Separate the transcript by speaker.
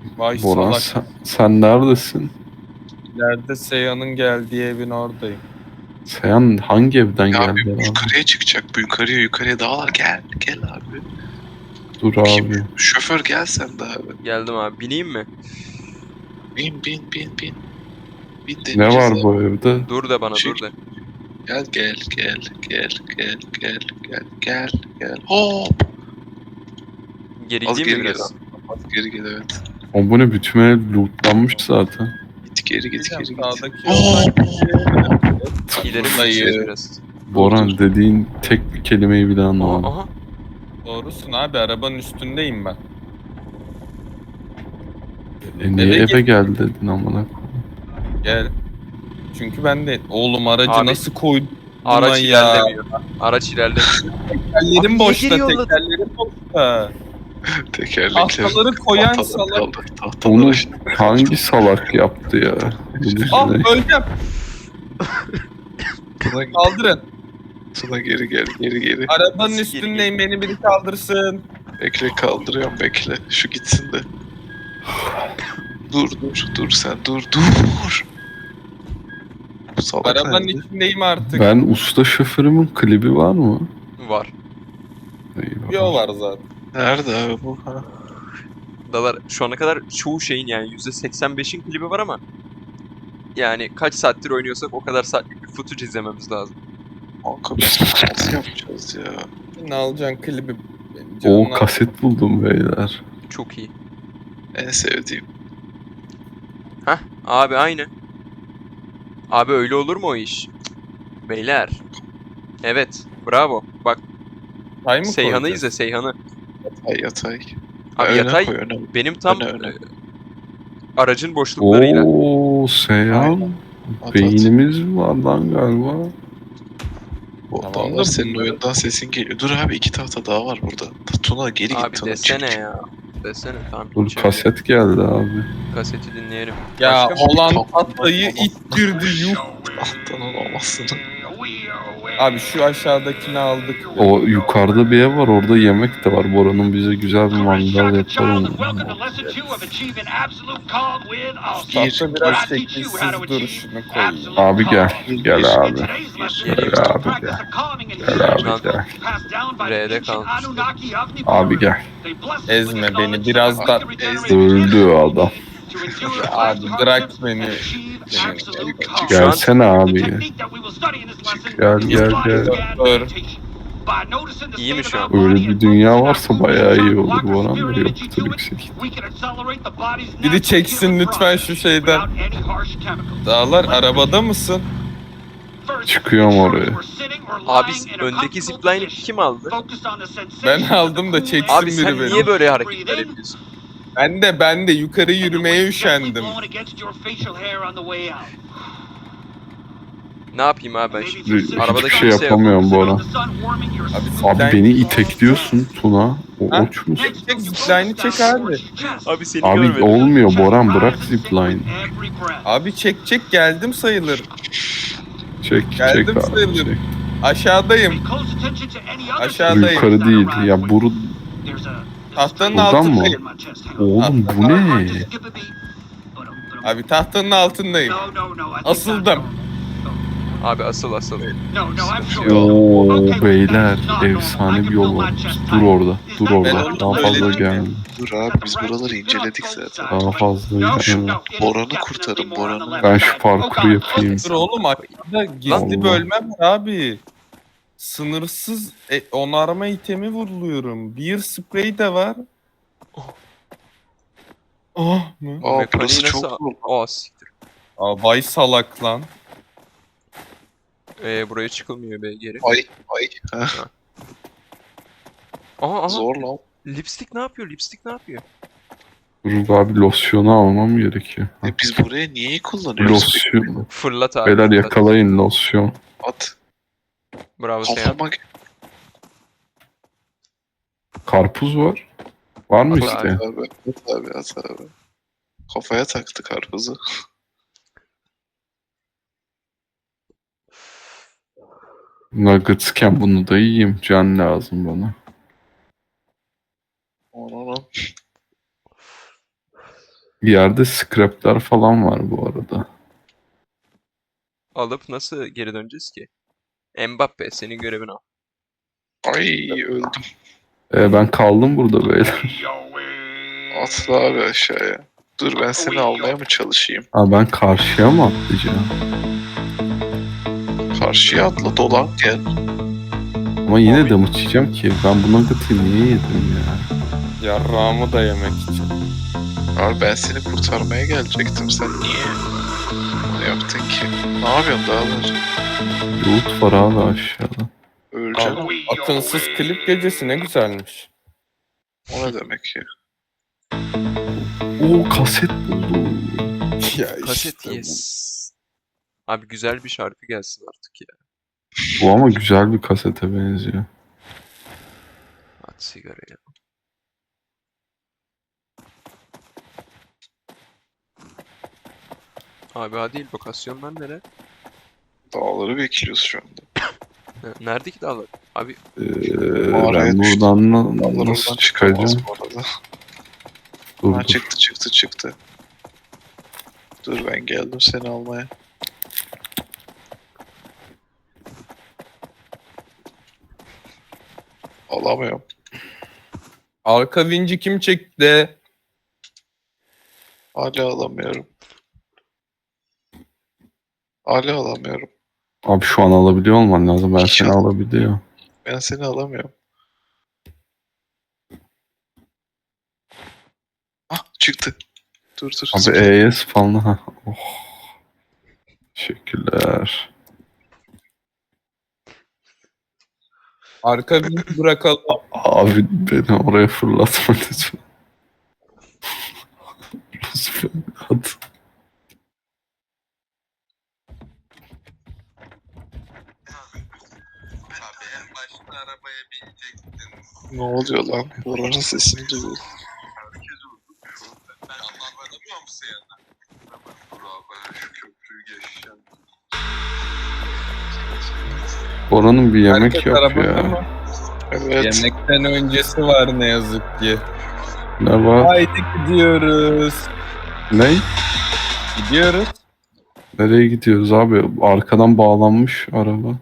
Speaker 1: Vay
Speaker 2: Boran
Speaker 1: salak.
Speaker 2: sen neredesin?
Speaker 1: İleride Seyhan'ın geldiği evin oradayım.
Speaker 2: Sen hangi evden
Speaker 3: Ya abi
Speaker 2: geldin abi?
Speaker 3: yukarıya çıkacak. Bu yukarıya dağlar. Gel abi.
Speaker 2: Dur
Speaker 3: Kim?
Speaker 2: abi.
Speaker 3: Şoför gel sen de abi.
Speaker 4: Geldim abi. Bineyim mi?
Speaker 3: Bin. Bin
Speaker 2: Ne
Speaker 3: deneyeceğiz
Speaker 2: var
Speaker 3: abi.
Speaker 2: bu evde?
Speaker 4: Dur de bana
Speaker 3: Çık.
Speaker 4: dur de.
Speaker 3: Gel. Hop.
Speaker 4: Geri
Speaker 3: Az
Speaker 4: gideyim mi
Speaker 3: geri
Speaker 4: biraz?
Speaker 3: Az geri gel evet.
Speaker 2: O bu ne, bütün ev lootlanmış zaten.
Speaker 3: Geri git.
Speaker 1: Sağdaki yoldan
Speaker 4: İleri mi
Speaker 1: Buradayım.
Speaker 4: gideceğiz biraz?
Speaker 2: Boran dediğin tek bir kelimeyi bile
Speaker 4: Aha,
Speaker 2: anlamadım.
Speaker 4: aha.
Speaker 1: Doğrusun abi, arabanın üstündeyim ben.
Speaker 2: Niye
Speaker 1: Eve
Speaker 2: eve gel dedin amına?
Speaker 1: Gel. Çünkü ben de oğlum aracı
Speaker 4: Abi,
Speaker 1: nasıl koydum
Speaker 4: Araç
Speaker 1: buna ya?
Speaker 4: ilerlemiyor. Araç ilerlemiyor.
Speaker 1: Tekerlerim
Speaker 4: Abi,
Speaker 1: boşta,
Speaker 4: niye geri yolladın?
Speaker 1: tekerlerim boşta.
Speaker 3: Tekerlekler.
Speaker 1: Tahtaları koyan
Speaker 3: Tahtalar
Speaker 1: salak.
Speaker 3: kaldı. Tahtalar
Speaker 2: Onu
Speaker 3: işte.
Speaker 2: hangi salak yaptı ya?
Speaker 1: Ah öleceğim. Kaldırın.
Speaker 3: Tuna geri gel.
Speaker 1: Arabanın
Speaker 4: Nasıl geri
Speaker 1: üstündeyim, beni biri kaldırsın.
Speaker 3: Bekle kaldırıyorum bekle. Şu gitsin de. Dur sen dur. Bu salak
Speaker 1: Arabanın
Speaker 3: nerede?
Speaker 1: içindeyim artık.
Speaker 2: Ben usta şoförümün klibi var mı?
Speaker 4: Var.
Speaker 2: Eyvah.
Speaker 1: Yo var zaten.
Speaker 3: Nerede abi bu? Ha?
Speaker 4: Dalar şu ana kadar çoğu şeyin yani %85'in klibi var ama yani kaç saattir oynuyorsak o kadar saatlik bir footage izlememiz lazım.
Speaker 3: Kanka biz nasıl yapacağız ya?
Speaker 1: Ne alacaksın klibi? Benim
Speaker 2: O
Speaker 1: canımla-
Speaker 2: kaset buldum beyler.
Speaker 4: Çok iyi.
Speaker 3: En sevdiğim.
Speaker 4: Hah abi aynı. Abi öyle olur mu o iş? Cık, beyler. Evet bravo. Bak
Speaker 1: Tay mı
Speaker 4: Seyhan'ı
Speaker 1: koyacağız?
Speaker 4: izle Seyhan'ı.
Speaker 3: Yatay.
Speaker 4: Abi
Speaker 3: Öne
Speaker 4: yatay
Speaker 3: koy, öne.
Speaker 4: benim tam
Speaker 3: Öne.
Speaker 4: aracın boşluklarıyla.
Speaker 2: Oo Seyhan.
Speaker 3: At.
Speaker 2: Beynimiz var lan galiba.
Speaker 3: Bu
Speaker 1: Tamam
Speaker 3: dağlar
Speaker 1: da
Speaker 3: senin
Speaker 1: bunları-
Speaker 3: oyundan sesin geliyor. Dur abi 2 tahta daha var burada. Tuna geri
Speaker 4: Abi
Speaker 3: git Tuna.
Speaker 4: desene
Speaker 3: çık.
Speaker 4: ya. Desene tamam.
Speaker 2: Dur
Speaker 4: geçelim.
Speaker 2: kaset geldi abi.
Speaker 4: Kaseti dinleyelim.
Speaker 1: Ya
Speaker 4: Başka mı?
Speaker 1: olan
Speaker 3: Tamam.
Speaker 1: tahtayı ittirdi yuh.
Speaker 3: Ahtının olmasını.
Speaker 1: Abi şu aşağıdakini aldık.
Speaker 2: O yukarıda bir ev var, orada yemek de var. Bora'nın bize güzel bir mangal yapalım.
Speaker 1: Tahta biraz şekilsiz duruşunu koyayım.
Speaker 2: Abi gel. Gel abi.
Speaker 4: Geleyim.
Speaker 2: Gel abi gel. Gel abi gel.
Speaker 4: R'de kalmış.
Speaker 2: Abi gel.
Speaker 1: Ezme beni biraz da.
Speaker 2: Öldü adam.
Speaker 1: Abi bırak beni.
Speaker 2: Gelsene abi. Gel.
Speaker 1: Dur.
Speaker 4: İyi mi şu an?
Speaker 2: Öyle bir dünya varsa bayağı iyi olur bu oran da yoktur yüksek.
Speaker 1: Biri çeksin lütfen şu şeyden. Dağlar arabada mısın?
Speaker 2: Çıkıyorum oraya.
Speaker 4: Abi öndeki zipline'ı kim aldı?
Speaker 1: Ben aldım da çeksin
Speaker 4: Abi
Speaker 1: biri
Speaker 4: sen
Speaker 1: beni.
Speaker 4: niye böyle hareketler yapıyorsun?
Speaker 1: Ben de yukarı yürümeye üşendim.
Speaker 4: Ne yapayım abi ben şimdi?
Speaker 2: Hiçbir
Speaker 4: Arabada
Speaker 2: şey
Speaker 4: kimse yok.
Speaker 2: yapamıyorum bu ara.
Speaker 1: Abi,
Speaker 2: Abi
Speaker 1: zipline-
Speaker 2: beni itekliyorsun Tuna. O
Speaker 1: Ha?
Speaker 2: oç musun?
Speaker 1: Çek zipline'i çek abi.
Speaker 4: Abi seni
Speaker 2: Abi
Speaker 4: görmedim.
Speaker 2: olmuyor Boran, bırak zipline.
Speaker 1: Abi çek geldim sayılır.
Speaker 2: Çek
Speaker 1: Geldim
Speaker 2: abi
Speaker 1: sayılır.
Speaker 2: çek.
Speaker 1: Aşağıdayım. Aşağıdayım.
Speaker 2: Yukarı değil ya, buru...
Speaker 1: Tahtanın
Speaker 2: Buradan mı?
Speaker 1: altındayım.
Speaker 2: Oğlum bu ne?
Speaker 1: Abi tahtanın altındayım. Asıldım.
Speaker 4: Abi asıl.
Speaker 2: Oo beyler, efsane bir yol var. Dur orada.
Speaker 1: Ben
Speaker 2: Daha
Speaker 1: onu
Speaker 2: fazla
Speaker 1: söyledim.
Speaker 2: gelme.
Speaker 3: Dur abi biz buraları inceledik zaten.
Speaker 2: Daha fazla gelme.
Speaker 3: Boran'ı kurtarın Boran'ı.
Speaker 2: Ben şu parkuru yapayım.
Speaker 1: Dur oğlum, aşağıda gizli
Speaker 2: Allah.
Speaker 1: bölmem var abi. Sınırsız onarma itemi vuruluyorum. Bir sprey de var. Oh mu?
Speaker 3: Aa
Speaker 4: Mekaniği
Speaker 3: burası
Speaker 4: nasıl-
Speaker 3: çok zor.
Speaker 4: Aa siktir.
Speaker 1: Aa, vay salak lan.
Speaker 4: Buraya çıkılmıyor be geri.
Speaker 3: Ay. Ha,
Speaker 4: Aha.
Speaker 3: zor lan.
Speaker 4: Lipstick ne yapıyor?
Speaker 2: Dur abi, losyonu almam gerekiyor.
Speaker 3: Biz buraya niye kullanıyoruz?
Speaker 2: Losyon.
Speaker 4: Fırlat abi.
Speaker 2: Beyler
Speaker 4: fırlat.
Speaker 2: yakalayın losyon.
Speaker 3: At.
Speaker 4: Bravo Seyhan.
Speaker 3: Kafama
Speaker 2: Karpuz var. Var mı
Speaker 4: At
Speaker 2: işte?
Speaker 3: at abi. Kafaya taktı karpuzu.
Speaker 2: Nuggetsken bunu da yiyeyim. Can lazım bana.
Speaker 3: Onu.
Speaker 2: Bir yerde scrapler falan var bu arada.
Speaker 4: Alıp nasıl geri döneceğiz ki? Mbappe senin görevin al.
Speaker 3: Ay öldüm.
Speaker 2: Ben kaldım burada beyler.
Speaker 3: Atla abi aşağıya. Dur ben seni almaya mı çalışayım?
Speaker 2: Ha, ben karşıya mı atlayacağım?
Speaker 3: Karşıya atla dolan gel.
Speaker 2: Ama yine de mı çiğeceğim ki? Ben bu nugget'ı niye yedim ya?
Speaker 1: Yarrağımı da yemek için.
Speaker 3: Abi ben seni kurtarmaya gelecektim. Sen niye bunu yaptın ki? Ne yapıyorsun dağlar?
Speaker 2: Loot var abi aşağıda.
Speaker 3: Öleceksin.
Speaker 1: Abi, atınsız klip gecesi ne güzelmiş.
Speaker 3: O ne demek ya?
Speaker 2: Oo, kaset buldum.
Speaker 1: Ya
Speaker 4: Kaset
Speaker 1: işte bu.
Speaker 4: yes. Abi güzel bir şarkı gelsin artık ya.
Speaker 2: Bu ama güzel bir kasete benziyor.
Speaker 4: At sigarayı. Abi hadi lokasyonlar nere?
Speaker 3: Dağları bekliyoruz şu anda.
Speaker 4: Nerede ki dağlar? Abi
Speaker 3: Mağaraya
Speaker 2: Ben
Speaker 3: düştüm.
Speaker 2: buradan
Speaker 3: Dağlar
Speaker 2: nasıl
Speaker 3: oradan çıkamaz
Speaker 2: çıkacağım?
Speaker 3: bu arada.
Speaker 2: Dur,
Speaker 3: Ha,
Speaker 2: dur.
Speaker 3: çıktı. Dur ben geldim seni almaya. Alamıyorum.
Speaker 1: Arka vinci kim çekti?
Speaker 3: Hala alamıyorum. Hala alamıyorum.
Speaker 2: Abi şu an alabiliyor olman lazım. Ben
Speaker 3: Hiç
Speaker 2: seni
Speaker 3: al-
Speaker 2: alabiliyor.
Speaker 3: Ben seni alamıyorum. Ah çıktı. Dur.
Speaker 2: Abi ES falan. Ha. Oh. Teşekkürler.
Speaker 1: Arka vinci bırakalım.
Speaker 2: Abi beni oraya fırlatma lütfen. Lütfen. Hadi.
Speaker 1: Abi en başta arabaya binecektin.
Speaker 3: Ne oluyor lan? Oranın sesini duyuyorum.
Speaker 1: Herkes oldu. Ben anlamıyor musun ya? Ben şu köprüyü geçeceğim.
Speaker 2: Oranın bir yemek
Speaker 1: Herkes
Speaker 2: yok
Speaker 1: arabada
Speaker 2: ya.
Speaker 1: mı?
Speaker 3: Evet.
Speaker 1: Yemekten öncesi var ne yazık ki.
Speaker 2: Ne var?
Speaker 1: Haydi gidiyoruz.
Speaker 2: Ne?
Speaker 1: Gidiyoruz.
Speaker 2: Nereye gidiyoruz abi? Arkadan bağlanmış araba.